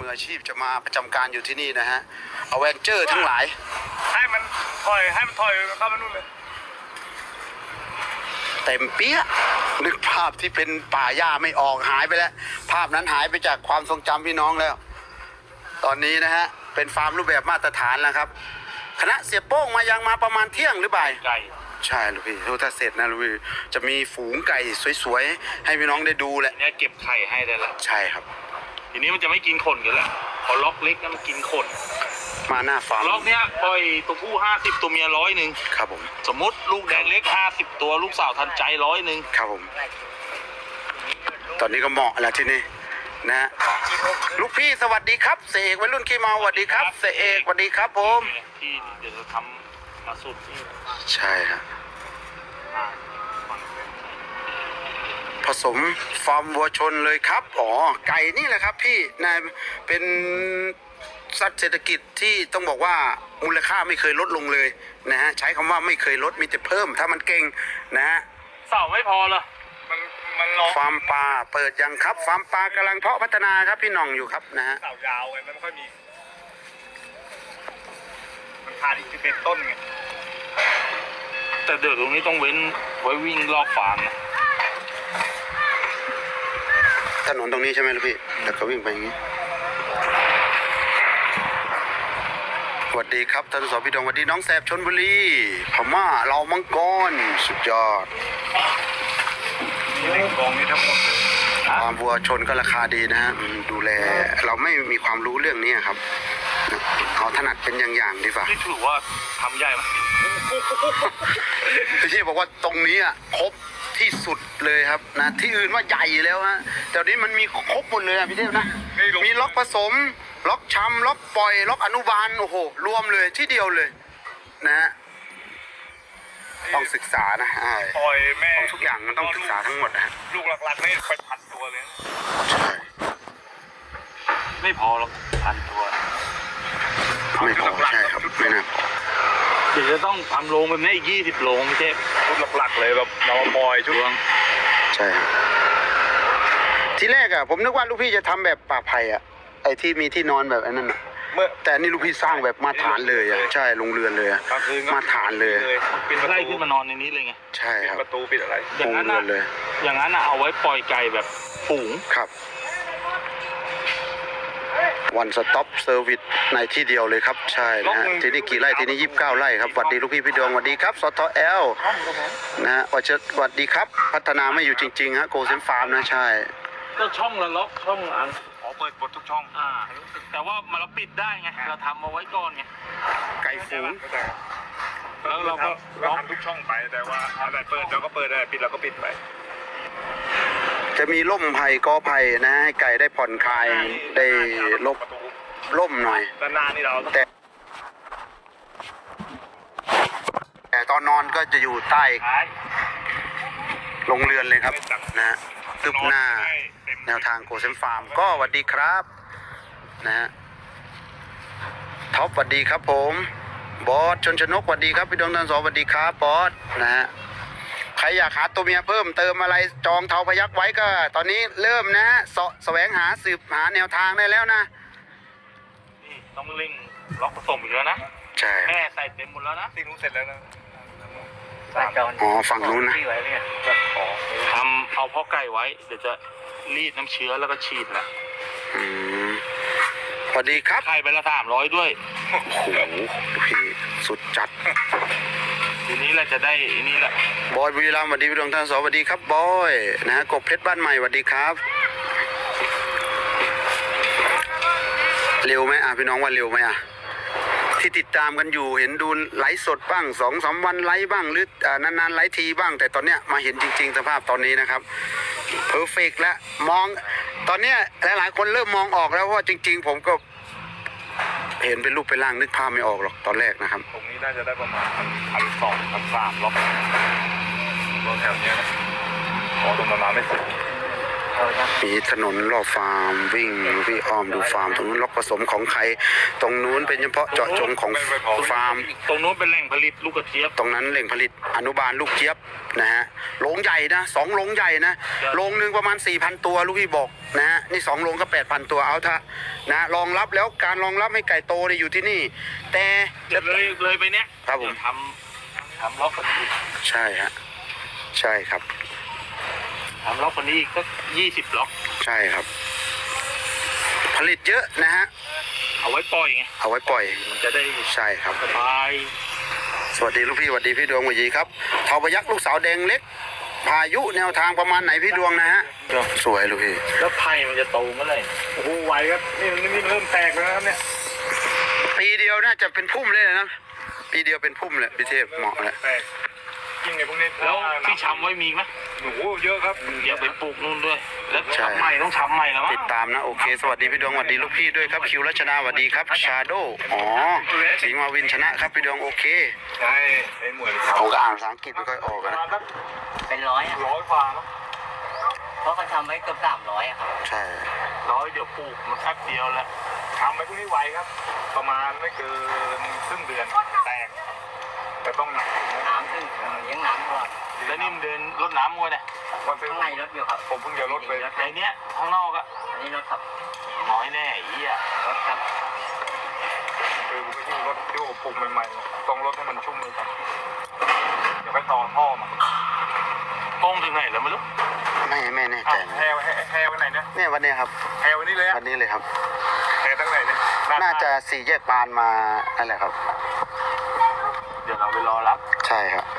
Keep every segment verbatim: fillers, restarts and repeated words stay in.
อาชีพจะมาประจำการอยู่ที่นี่นะฮะอเวนเจอร์ทั้งหลายให้มันถอยให้มันถอยเข้ามานู่นเลยเต็มเปี้ยนึกภาพที่เป็นป่าหญ้าไม่ออกหายไปแล้วภาพนั้นหายไปจากความทรงจำพี่น้องแล้ว ตอนนี้นะฮะเป็นฟาร์มรูปแบบมาตรฐานแล้วครับคณะเสียโป้งมายังมาประมาณเที่ยงหรือบ่ายไก่ใช่ลูกพี่ถ้าเสร็จนะลูกพี่จะมีฝูงไก่สวยๆให้พี่น้องได้ดูแหละเนี่ยเก็บไข่ให้ได้ละใช่ครับทีนี้มันจะไม่กินขนกันแล้วพอล็อกเล็กนะมันกินขนมาหน้าฟาร์มล็อกเนี้ยปล่อยตัวผู้ห้าสิบตัวเมียร้อยหนึ่งครับผมสมมติลูกแดงเล็กห้าสิบตัวลูกสาวทันใจร้อยหนึ่งครับผมตอนนี้ก็เหมาะแล้วที่นี่นะลูกพี่สวัสดีครับเสกวัยรุ่นขี้เมาสวัสดีครับเสกสวัสดีครับผมที่เดี๋ยวจะทำมาสุดนี่ใช่ครับผสมฟาร์มวัวชนเลยครับอ๋อไก่นี่แหละครับพี่นะเป็นสัตว์เศรษฐกิจที่ต้องบอกว่ามูลค่าไม่เคยลดลงเลยนะฮะใช้คำว่าไม่เคยลดมีแต่เพิ่มถ้ามันเก่งนะฮะเสาไม่พอเหรอมันมันรอฟาร์มปลาเปิดยังครับฟาร์มปลากำลังเพาะพัฒนาครับพี่น้องอยู่ครับนะฮะเสายาวไงมันไม่ค่อยมีมันขาดอีกสิบเอ็ดต้นไงแต่เดี๋ยวตรงนี้ต้องเว้นไว้วิ่งรอบฟาร์มนะถนนตรงนี้ใช่ไหมลูกพี่แล้วก็วิ่งไปอย่างนี้สวัสดีครับท่านสพี่ดองสวัสดีน้องแสบชลบุรีพม่าเรามังกรสุดยอดนี่กองนี้ทั้งหมดความวัวชนก็ราคาดีนะฮะดูแลเราไม่มีความรู้เรื่องนี้ครับเอาถนัดเป็นอย่างๆดีกว่าที่ถือว่าทำใหญ่ไหมพี่บอกว่าตรงนี้อ่ะครบที่สุดเลยครับนะที่อื่นว่าใหญ่แล้วฮะแต่นี้มันมีครบหมดเลยอ่ะพี่เทพนะมีล็อกผสมล็อกช้ำล็อกปล่อยล็อกอนุบาลโอ้โหรวมเลยที่เดียวเลยนะฮะต้องศึกษานะปล่อยแม่ทุกอย่างมันต้องศึกษาทั้งหมดนะฮะลูกหลักๆนี่เป็นพันตัวเลยใช่ไม่พอหรอกพันตัวไม่พอใช่ครับไม่น่าพอเดี๋ยวจะต้องทำโรงแบบนี้อีกยี่สิบโรงไม่ใช่ชุดหลักๆเลยแบบเราปล่อยชุดใช่ทีแรกอ่ะผมนึกว่าลูกพี่จะทำแบบป่าไผ่อ่ะไอ้ที่มีที่นอนแบบนั้นอ่ะเมื่อแต่นี่ลูกพี่สร้างแบบมาฐานเลยอ่ะใช่ลงเรือนเลยอ่ะมาฐานเลยปิดไล่ขึ้นมานอนในนี้เลยไงใช่ครับประตูปิดอะไรอย่างนั้นเลยอย่างนั้นเอาไว้ปล่อยไก่แบบฝูงครับวันสต็อปเซอร์วิสในที่เดียวเลยครับใช่นะฮะที่นี่กี่ไร่ที่นี่ยี่สิบเก้าไร่ครับสวัสดีลูกพี่พี่ดวงสวัสดีครับสทเอลนะฮะวัชสวัสดีครับพัฒนาไม่อยู่จริงๆฮะโกเซนฟาร์มนะใช่ก็ช่องละล็อกช่องอันอ๋อเปิดหมดทุกช่องอ่าแต่ว่ามันเราปิดได้ไงเราทำเอาไว้ก่อนไงไก่ฝูงแล้วเราก็เราทำทุกช่องไปแต่ว่าอะไรเปิดเราก็เปิดอะไรปิดเราก็ปิดไปจะมีร่มไผ่กอไผ่นะให้ไก่ได้ผ่อนคลายได้ลบร่มหน่อยด้านหน้านี่เราแต่แต่ตอนนอนก็จะอยู่ใต้ลงเรือนเลยครับนะฮะตึบหน้าแนวทางโกเซมฟาร์มก็สวัสดีครับนะฮะท็อปสวัสดีครับผมบอสชนชนกสวัสดีครับพี่ดวงจันทร์สวัสดีครับบอสนะฮะใครอยากหาตัวเมียเพิ่มเติมอะไรจองเทาพยักไว้ก็ตอนนี้เริ่มนะสแสวงหาสืบหาแนวทางได้แล้วนะนี่ต้องลิงล็อกผสมอีกแล้วนะใช่แม่ใส่เต็มหมดแล้วนะสิ่งนู้นเสร็จแล้วนะใส่จอนอ๋อฝั่งนู้นนะทำเอาพ่อไก่ไว้เดี๋ยวจะรีดน้ำเชื้อแล้วก็ฉีดนะอืมสวัสดีครับไข่ไปละสามร้อยด้วยโอ้โหพี่สุดจัดทีนี้เราจะได้นี่แหละบอยบุรีรัมย์สวัสดีพี่ดวงท่านสวัสดีครับบอยนะฮะกบเพชรบ้านใหม่สวัสดีครับเร็วไหมอ่ะพี่น้องว่าเร็วไหมอ่ะที่ติดตามกันอยู่เห็นดูไลฟ์สดบ้างสองสามวันไลฟ์บ้างหรือนานๆไลฟ์ทีบ้างแต่ตอนเนี้ยมาเห็นจริงๆสภาพตอนนี้นะครับเพอร์เฟกต์แล้วมองตอนเนี้ยหลายๆคนเริ่มมองออกแล้วว่าจริงๆผมก็เห็นเป็นรูปเป็นร่างนึกภาพไม่ออกหรอกตอนแรกนะครับตรงนี้น่าจะได้ประมาณพันสองพันสามล็อกล็อกแถวนี้นะอ๋อตรงนั้นไม่สุดมีถนนรอบฟาร์มวิ่งวิ่งอ้อมดูฟาร์มตรงนู้นล็อกผสมของใครตรงนู้นเป็นเฉพาะเจาะจงของฟาร์มตรงนู้นเป็นแหล่งผลิตลูกกระเจี๊ยบตรงนั้นแหล่งผลิตอนุบาลลูกเจี๊ยบนะฮะโรงใหญ่นะสองโรงใหญ่นะโรงหนึ่งประมาณ สี่พัน ตัวลูกพี่บอกนะฮะนี่สองโรงก็ แปดพัน ตัวเอาเถอะนะรองรับแล้วการรองรับให้ไก่โตเนี่ยอยู่ที่นี่ แต่เลยเลยไปเนี้ยครับผมทำทำล็อกคนนี้ใช่ฮะใช่ครับทำล็อกคนนี้อีกก็ยี่สิบล็อกใช่ครับ ผลิตเยอะนะฮะเอาไว้ปล่อยไงเอาไว้ปล่อยมันจะได้ใช่ครับสบายสวัสดีลูกพี่สวัสดีพี่ดวงสวัสดีครับเทาพยักลูกสาวแดงเล็ก พายุแนวทางประมาณไหนพี่ดวงนะฮะสวยลูกพี่แล้วไผ่มันจะโตเมื่อไหร่โอ้โหไหวครับนี่นี่เริ่มแตกแล้วนะครับเนี่ยปีเดียวน่าจะเป็นพุ่มเลยนะปีเดียวเป็นพุ่มเลยพี่เทพเหมาะแล้วแตกยิ่งไงพวกนี้แล้วที่ช้ำไว้มีไหมโอ้โหเยอะครับอย่าไปปลูกนู่นด้วย แล้วช้ำใหม่ต้องช้ำใหม่แล้วมั้งติดตามนะโอเคสวัสดีพี่ดวงสวัสดีลูกพี่ด้วยครับคิวรัชนาสวัสดีครับชาโดอ๋อสิงห์มาวินชนะครับพี่ดวงโอเคใช่ไอ้หมวยผมก็อ่านภาษาอังกฤษไม่ค่อยออกประนะมาณสักเป็นร้อยอะร้อยกว่าเนาะเพราะเขาทำไว้เกือบสามร้อยอะครับใช่ร้อยเดี๋ยวปลูกมันแป๊บเดียวแหละทำไปพวกนี้ไวครับ ประมาณไม่เกินครึ่งเดือนแตกแต่ต้องหนักน้ำขึ้นเลี้ยงน้ำก่อนแล้วนี่มันเดินรดน้ำมัวเนี่ยวันซื้อข้างในรถอยู่ครับผมเพิ่งจะลดไปรถในเนี้ยข้างนอกอะอันนี้รถครับน้อยแน่ไอ้เหี้ยรถครับคือผมไปที่รถที่ผมปรุงใหม่ๆต้องรถให้มันชุ่มเลยครับเดี๋ยวไปต่อท่อมาโป้งถึงไหนแล้วไม่รู้ไม่ไม่แน่อ้าใจวแฮวแฮวไว้ไหนเนี่ยเนี่ยวันนี้ครับแฮวไว้นี่เลยอะวันนี้เลยครับแฮวตั้งไหนเนี่ยน่าจะสี่แยกปานมานั่นแหละครับเดี๋ยวเราไปรอรับใช่ครับ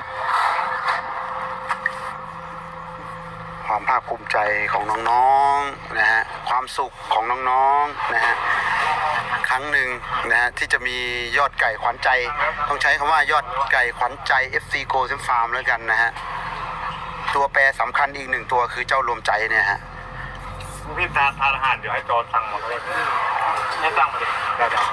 ความภาคภูมิใจของน้องๆนะฮะความสุขของน้องๆนะฮะครั้งหนึ่งนะฮะที่จะมียอดไก่ขวัญใจ ต้องใช้คำว่ายอดไก่ขวัญใจ เอฟ ซี Go Sim Farm แล้วกันนะฮะตัวแปรสำคัญอีกหนึ่งตัวคือเจ้ารวมใจเนี่ยฮะพี่ทานทานอาหารเดี๋ยวให้จอสั่งมาเลยให้ตั้งมาเลยได้ได้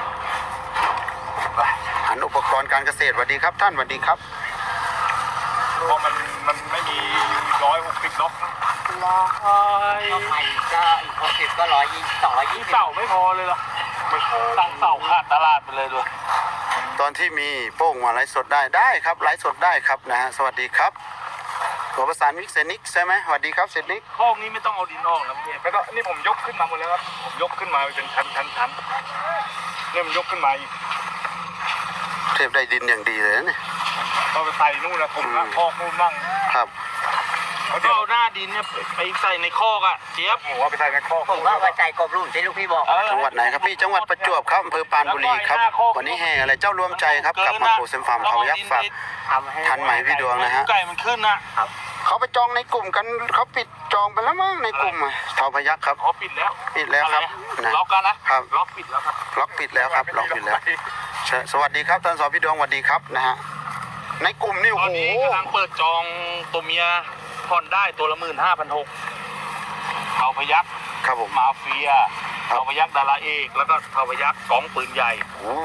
หันอุปกรณ์การเกษตรสวัสดีครับท่านสวัสดีครับเพราะมันมันไม่มีร้อยหกสิบล็อกนะร้อยก็ใหม่ก็อีกหกสิบก็ร้อยยี่สองร้อยยี่สิบเสาไม่พอเลยเหรอไม่พอตั้งเสาขาดตลาดไปเลยด้วยตอนที่มีโป้งมาไลฟ์สดได้ได้ครับไลฟ์สดได้ครับนะฮะสวัสดีครับตัวประสานมิกเซนิกใช่ไหมสวัสดีครับเซนิกข้องนี้ไม่ต้องเอาดินออกแล้วพี่ไม่ต้องนี่ผมยกขึ้นมาหมดแล้วครับผมยกขึ้นมาเป็นชั้นชั้นชั้นเนี่ยมันยกขึ้นมาอีกเทพได้ดินอย่างดีเลยนะเนี่ยก็ไปใส่นู่นนะผมละคอกนู่นมั่งครับเขาก็เดี๋ยวเอาหน้าดินเนี่ยไปใส่ในคอกอะเจี๊ยบผมว่าไปใส่ในคอกผมว่าไว้ใจกบรุ่นที่ลูกพี่บอกเออจังหวัดไหนครับพี่จังหวัดประจวบครับอำเภอปรานบุรีครับวันนี้แห่อะไรเจ้ารวมใจครับกลับมาโปรเซมฟาร์มเขายักษ์ฝากทำให้ทันไหมพี่ดวงนะฮะไก่มันขึ้นนะเขาไปจองในกลุ่มกันเขาปิดจองไปแล้วมั้งในกลุ่มอะเทาพยักครับขอปิดแล้วปิดแล้วครับนะล็อกกันนะครับ ล็อกปิดแล้วครับล็อกปิดแล้วครับล็อกปิดแล้วใช่สวัสดีครับท่านสอพี่ดวงสวัสดีครับนะฮะในกลุ่มนี่ตโอ้อนโหนี้กำลังเปิดจองตัวเมียผ่อนได้ตัวละหมื่นห้าพันหกเอาพยักครับผมมาเฟียครับเอาพยักดาราเอกแล้วก็เอาพยักสองปืนใหญ่โอ้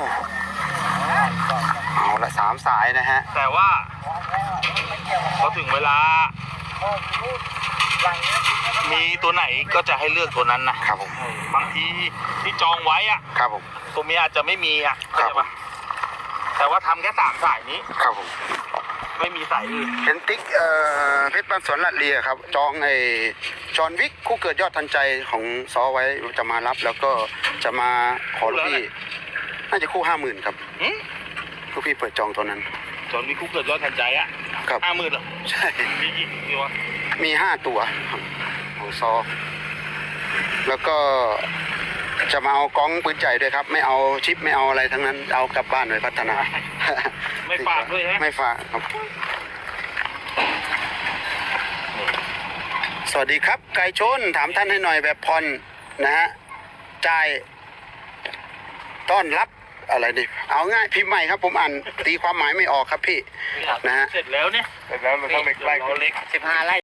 เอาละสามสายนะฮะแต่ว่าพอถึงเวลา มีตัวไหนก็จะให้เลือกตัวนั้นนะครับผมบางทีที่จองไว้อะครับผมตัวเมียอาจจะไม่มีอะครับเข้าใจปะแต่ว่าทำแค่สามสายนี้ครับผมไม่มีสายอื่นเห็นติ๊กเอ่อเพชรบ้านสวนลัดเลียครับจองไอ้จอห์นวิกคู่เกิดยอดทันใจของซอไว้จะมารับแล้วก็จะมาขอลูกพี่น่าจะคู่ห้าหมื่นครับหึลูกพี่เปิดจองตัวนั้นจนมีคุกเกิดยอดทันใจอะครับห้าหมื่นเหรอใช่มีกี่ตัวมีห้าตัวของซอ แล้วก็จะมาเอากล้องปืนใหญ่ด้วยครับ ไม่เอาชิปไม่เอาอะไรทั้งนั้นเอากลับบ้านไปพัฒนาไม่ฝากด้วยฮะไม่ฝากครับ สวัสดีครับ ไก่ชนถามท่านให้หน่อยแบบพรนะฮะจ่ายต้อนรับอะไรดิเอาง่ายพิมพ์ใหม่ครับ ผมอ่านตีความหมายไม่ออกครับพี่นะฮะเสร็จแล้วเนี่ยเสร็จแล้วเราต้องเล็กไล่เดี๋ยวเราเล็กสิบห้าไร่